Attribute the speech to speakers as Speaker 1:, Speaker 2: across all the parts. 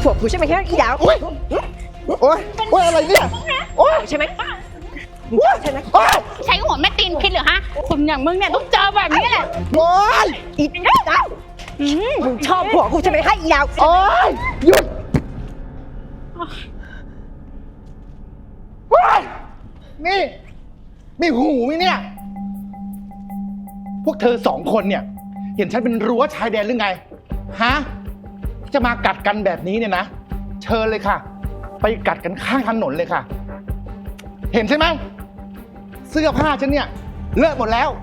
Speaker 1: ผัวกูใช่ไหมอีดาว
Speaker 2: โอ๊ยอะไรเนี่ยโอ๊ย
Speaker 1: ใช่ไหมใช่ไหม
Speaker 3: ใช้หัวแม่ตีนคิดเหรอฮะคนอย่างมึงเนี่ยต้องเจอแบบนี้แหละ
Speaker 2: โอ๊ย
Speaker 1: อีดาวมึงชอบผัวกูใช่ไหมอีดาว
Speaker 2: โอ๊ยหยุดโอ๊ยนี่มีหูไหมเนี่ย พวกเธอสองคนเนี่ย เห็นฉันเป็นรั้วชายแดนหรือไง ฮะ จะมากัดกันแบบนี้เนี่ยนะ เชิญเลยค่ะ ไปกัดกันข้างถนนเลยค่ะ เห็นใช่ไหมเสื้อผ้าฉันเนี่ยเลอะหมดแล้ว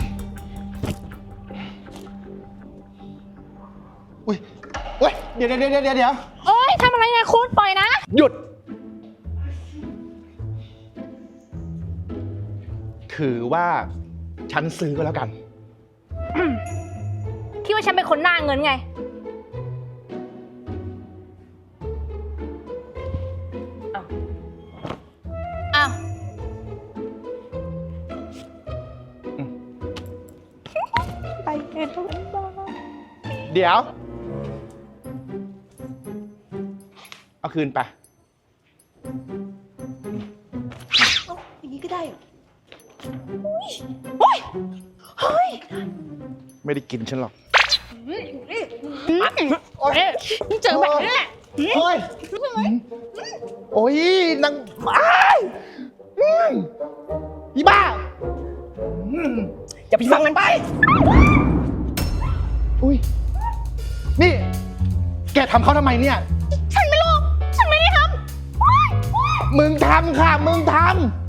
Speaker 2: อุ้ยเว้ยเดี๋ยว
Speaker 3: โอ๊ยทำอะไรนะคุณปล่อยนะ
Speaker 2: หยุด ถือว่าฉันซื้อก็แล้วกัน
Speaker 3: คิดว่าฉันเป็นคนหน้าเงินไงอ้าว
Speaker 1: ไปเอ็นทุกคนบ้า
Speaker 2: เดี๋ยว เอาคืนไป
Speaker 1: อย่างนี้ก็ได้เหรอ
Speaker 2: ไม่ได้กินฉันหรอก
Speaker 3: เจอแบบนี้แหละ
Speaker 2: โอ้ย โอ้ยนางอ้ายอีบ้า
Speaker 1: อย่าไปฟังมันไป
Speaker 2: อุ้ย นี่ แกทำเขาทำไมเนี่ย
Speaker 3: ฉันไม่รู้ ฉันไม่ได้ทำ
Speaker 2: มึงทำค่ะ มึงทำ